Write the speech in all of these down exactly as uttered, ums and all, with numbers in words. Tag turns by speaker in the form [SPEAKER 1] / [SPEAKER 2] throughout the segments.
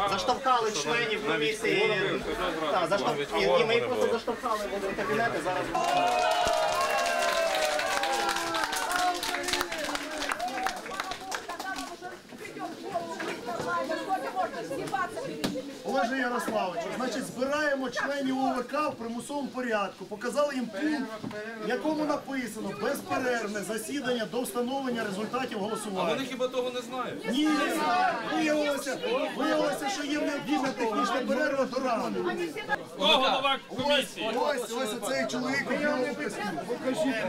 [SPEAKER 1] заштовхали членів комісії. Так, заштовх... і, і ми їх просто заштовхали в кабінети. Зараз.
[SPEAKER 2] Олеже Ярославовичу, значить, збираємо членів ОВК в примусовому порядку, показали їм пункт, в якому написано безперервне засідання до встановлення результатів голосування.
[SPEAKER 3] А вони хіба того не знають?
[SPEAKER 2] Ні, виявилося, виявилося, що є необхідна технічна перерва до ранку.
[SPEAKER 4] Хто голова комісії?
[SPEAKER 2] Ось, ось оцей чоловік у білому костюмі. Покажіть.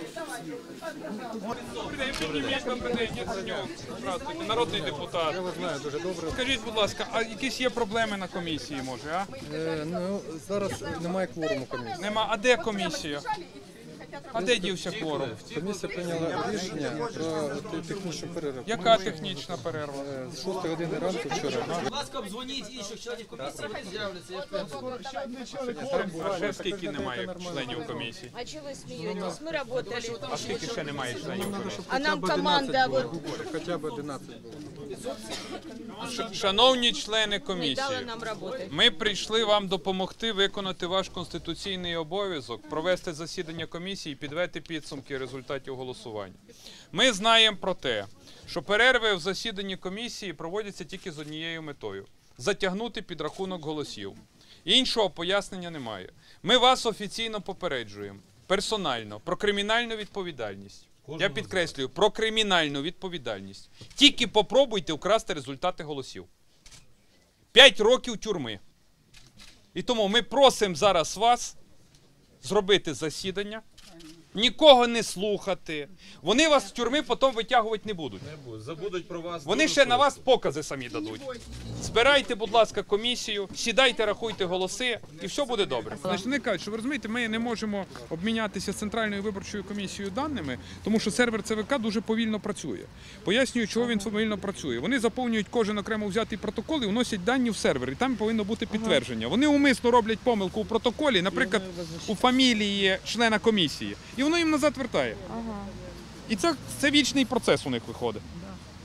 [SPEAKER 4] Здравствуйте, народний депутат. Я вас знаю дуже добре. Скажіть, будь ласка, а якісь є проблеми на комісії, може, а?
[SPEAKER 5] Е, ну, зараз немає кворуму комісії.
[SPEAKER 4] Нема. А де комісія? А де дівся кворум?
[SPEAKER 5] Комісія прийняла рішення про технічну перерву.
[SPEAKER 4] Яка технічна перерва?
[SPEAKER 5] Е, З шостої години ранку вчора.
[SPEAKER 6] Будь ласка, обдзвоніть інших членів комісії, вони з'являться. Я впевнений.
[SPEAKER 4] А ще скільки немає членів комісії?
[SPEAKER 7] А чего вы смеетесь? Мы работали.
[SPEAKER 4] А скільки ще немає членів комісії?
[SPEAKER 7] А нам команда вот
[SPEAKER 5] Хоча б одинадцять було.
[SPEAKER 4] Ш- Шановні члени
[SPEAKER 7] не дала
[SPEAKER 4] комісії,
[SPEAKER 7] нам работать.
[SPEAKER 4] ми прийшли вам допомогти виконати ваш конституційний обов'язок, провести засідання комісії і підвести підсумки результатів голосування. Ми знаємо про те, що перерви в засіданні комісії проводяться тільки з однією метою – затягнути підрахунок голосів. Іншого пояснення немає. Ми вас офіційно попереджуємо, персонально, про кримінальну відповідальність. Я підкреслюю, про кримінальну відповідальність. Тільки попробуйте вкрасти результати голосів. П'ять років тюрми. І тому ми просимо зараз вас зробити засідання, нікого не слухати. Вони вас з тюрми потім витягувати не будуть.
[SPEAKER 3] Забудуть про вас.
[SPEAKER 4] Вони ще на вас покази самі дадуть. Збирайте, будь ласка, комісію, сідайте, рахуйте голоси, і все буде добре. Значить, вони кажуть, що ви розумієте, ми не можемо обмінятися з Центральною виборчою комісією даними, тому що сервер ЦВК дуже повільно працює. Пояснюю, чого він повільно працює. Вони заповнюють кожен окремо взятий протокол і вносять дані в сервер, і там повинно бути підтвердження. Вони умисно роблять помилку у протоколі, наприклад, у фамілії члена комісії, і воно їм назад вертає. І це, це вічний процес у них виходить.